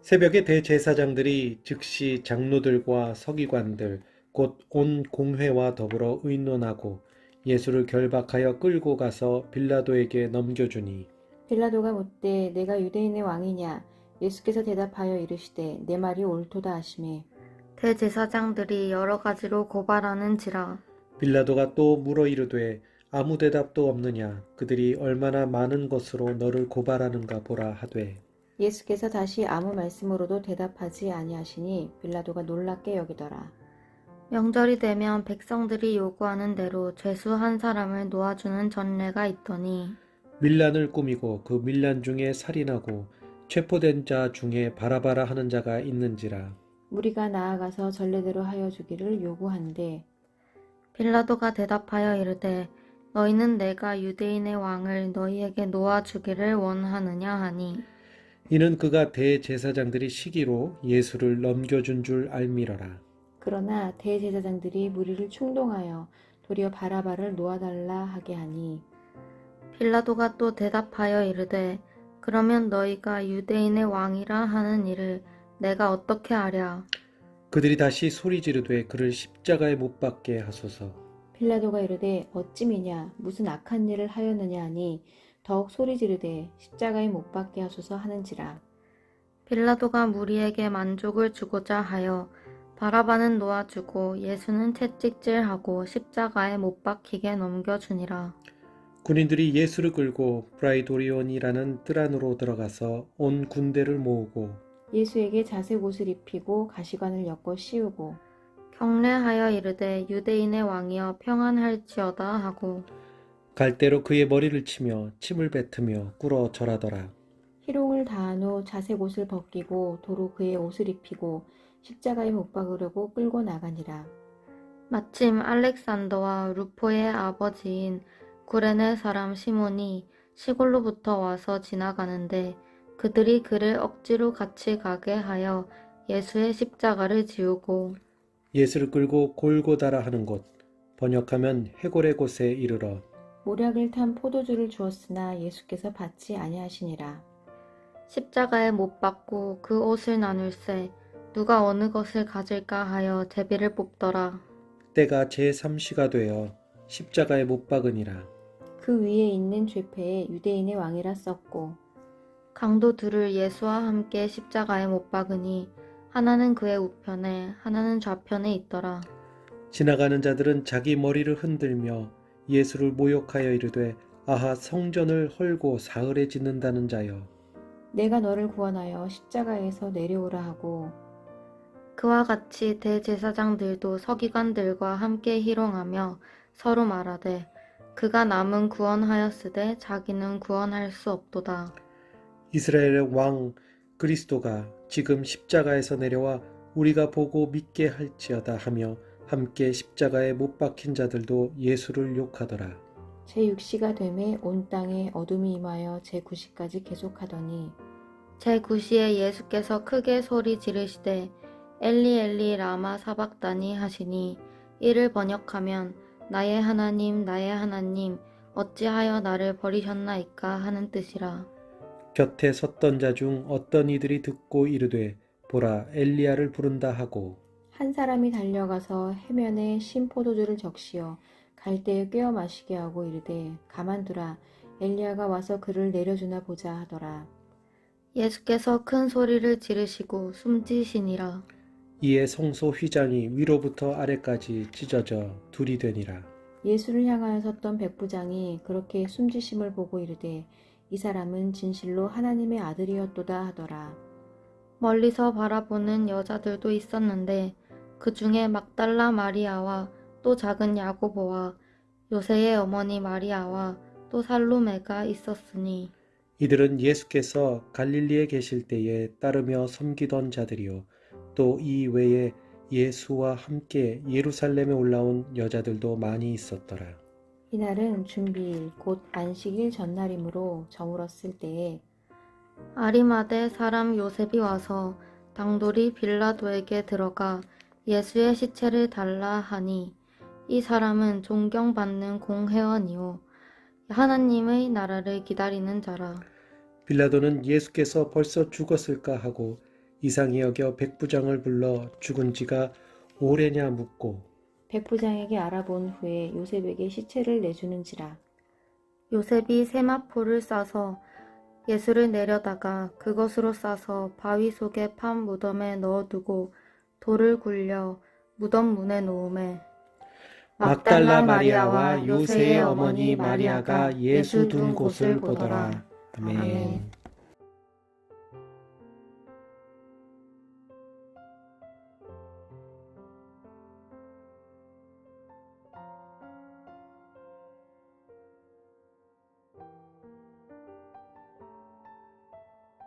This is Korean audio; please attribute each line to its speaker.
Speaker 1: 새벽에 대제사장들이 즉시 장로들과 서기관들 곧 온 공회와 더불어 의논하고 예수를 결박하여 끌고 가서 빌라도에게 넘겨주니
Speaker 2: 빌라도가 묻되 내가 유대인의 왕이냐? 예수께서 대답하여 이르시되 내 말이 옳도다 하시매
Speaker 3: 대제사장들이 여러 가지로 고발하는지라.
Speaker 1: 빌라도가 또 물어 이르되 아무 대답도 없느냐 그들이 얼마나 많은 것으로 너를 고발하는가 보라 하되
Speaker 2: 예수께서 다시 아무 말씀으로도 대답하지 아니하시니 빌라도가 놀랍게 여기더라.
Speaker 3: 명절이 되면 백성들이 요구하는 대로 죄수 한 사람을 놓아주는 전례가 있더니
Speaker 1: 밀란을 꾸미고 그 밀란 중에 살인하고 체포된 자 중에 바라바라 하는 자가 있는지라.
Speaker 2: 무리가 나아가서 전례대로 하여 주기를 요구한대
Speaker 3: 빌라도가 대답하여 이르되 너희는 내가 유대인의 왕을 너희에게 놓아주기를 원하느냐 하니
Speaker 1: 이는 그가 대제사장들이 시기로 예수를 넘겨준 줄 알미러라.
Speaker 2: 그러나 대제사장들이 무리를 충동하여 도리어 바라바를 놓아달라 하게 하니
Speaker 3: 빌라도가 또 대답하여 이르되 그러면 너희가 유대인의 왕이라 하는 일을 내가 어떻게 하랴.
Speaker 1: 그들이 다시 소리 지르되 그를 십자가에 못 박게 하소서.
Speaker 2: 빌라도가 이르되 어찌미냐 무슨 악한 일을 하였느냐 하니 더욱 소리 지르되 십자가에 못 박게 하소서 하는지라.
Speaker 3: 빌라도가 무리에게 만족을 주고자 하여 바라바는 놓아주고 예수는 채찍질하고 십자가에 못 박히게 넘겨주니라.
Speaker 1: 군인들이 예수를 끌고 브라이도리온이라는 뜰 안으로 들어가서 온 군대를 모으고
Speaker 2: 예수에게 자색 옷을 입히고 가시관을 엮어 씌우고
Speaker 3: 경례하여 이르되 유대인의 왕이여 평안할지어다 하고
Speaker 1: 갈대로 그의 머리를 치며 침을 뱉으며 꿇어 절하더라.
Speaker 2: 희롱을 다한 후 자색 옷을 벗기고 도로 그의 옷을 입히고 십자가에 못 박으려고 끌고 나가니라.
Speaker 3: 마침 알렉산더와 루포의 아버지인 구레네 사람 시몬이 시골로부터 와서 지나가는데 그들이 그를 억지로 같이 가게 하여 예수의 십자가를 지우고
Speaker 1: 예수를 끌고 골고다라 하는 곳, 번역하면 해골의 곳에 이르러
Speaker 2: 모략을 탄 포도주를 주었으나 예수께서 받지 아니하시니라.
Speaker 3: 십자가에 못 박고 그 옷을 나눌세 누가 어느 것을 가질까 하여 제비를 뽑더라.
Speaker 1: 때가 제3시가 되어 십자가에 못 박으니라.
Speaker 2: 그 위에 있는 죄패에 유대인의 왕이라 썼고
Speaker 3: 강도 둘을 예수와 함께 십자가에 못 박으니 하나는 그의 우편에 하나는 좌편에 있더라.
Speaker 1: 지나가는 자들은 자기 머리를 흔들며 예수를 모욕하여 이르되 아하 성전을 헐고 사흘에 짓는다는 자여
Speaker 2: 내가 너를 구원하여 십자가에서 내려오라 하고
Speaker 3: 그와 같이 대제사장들도 서기관들과 함께 희롱하며 서로 말하되 그가 남은 구원하였으되 자기는 구원할 수 없도다.
Speaker 1: 이스라엘의 왕 그리스도가 지금 십자가에서 내려와 우리가 보고 믿게 할지어다 하며 함께 십자가에 못 박힌 자들도 예수를 욕하더라.
Speaker 2: 제6시가 되매 온 땅에 어둠이 임하여 제9시까지 계속하더니
Speaker 3: 제9시에 예수께서 크게 소리 지르시되 엘리 엘리 라마 사박다니 하시니 이를 번역하면 나의 하나님 어찌하여 나를 버리셨나이까 하는 뜻이라.
Speaker 1: 곁에 섰던 자 중 어떤 이들이 듣고 이르되 보라 엘리야를 부른다 하고
Speaker 2: 한 사람이 달려가서 해면에 신 포도주를 적시어 갈대에 꿰어 마시게 하고 이르되 가만두라 엘리야가 와서 그를 내려주나 보자 하더라.
Speaker 3: 예수께서 큰 소리를 지르시고 숨지시니라.
Speaker 1: 이에 성소 휘장이 위로부터 아래까지 찢어져 둘이 되니라.
Speaker 2: 예수를 향하여 섰던 백부장이 그렇게 숨지심을 보고 이르되 이 사람은 진실로 하나님의 아들이었도다 하더라.
Speaker 3: 멀리서 바라보는 여자들도 있었는데 그 중에 막달라 마리아와 또 작은 야고보와 요새의 어머니 마리아와 또 살로메가 있었으니
Speaker 1: 이들은 예수께서 갈릴리에 계실 때에 따르며 섬기던 자들이요 또 이 외에 예수와 함께 예루살렘에 올라온 여자들도 많이 있었더라.
Speaker 2: 이날은 준비일 곧 안식일 전날이므로 저물었을 때에
Speaker 3: 아리마대 사람 요셉이 와서 당돌이 빌라도에게 들어가 예수의 시체를 달라 하니 이 사람은 존경받는 공회원이요 하나님의 나라를 기다리는 자라.
Speaker 1: 빌라도는 예수께서 벌써 죽었을까 하고 이상히 여겨 백부장을 불러 죽은 지가 오래냐 묻고
Speaker 2: 백부장에게 알아본 후에 요셉에게 시체를 내주는지라.
Speaker 3: 요셉이 세마포를 싸서 예수를 내려다가 그것으로 싸서 바위 속에 판 무덤에 넣어두고 돌을 굴려 무덤 문에 놓으매
Speaker 1: 막달라 마리아와 요새의 어머니 마리아가 예수 둔 곳을 보더라. 아멘.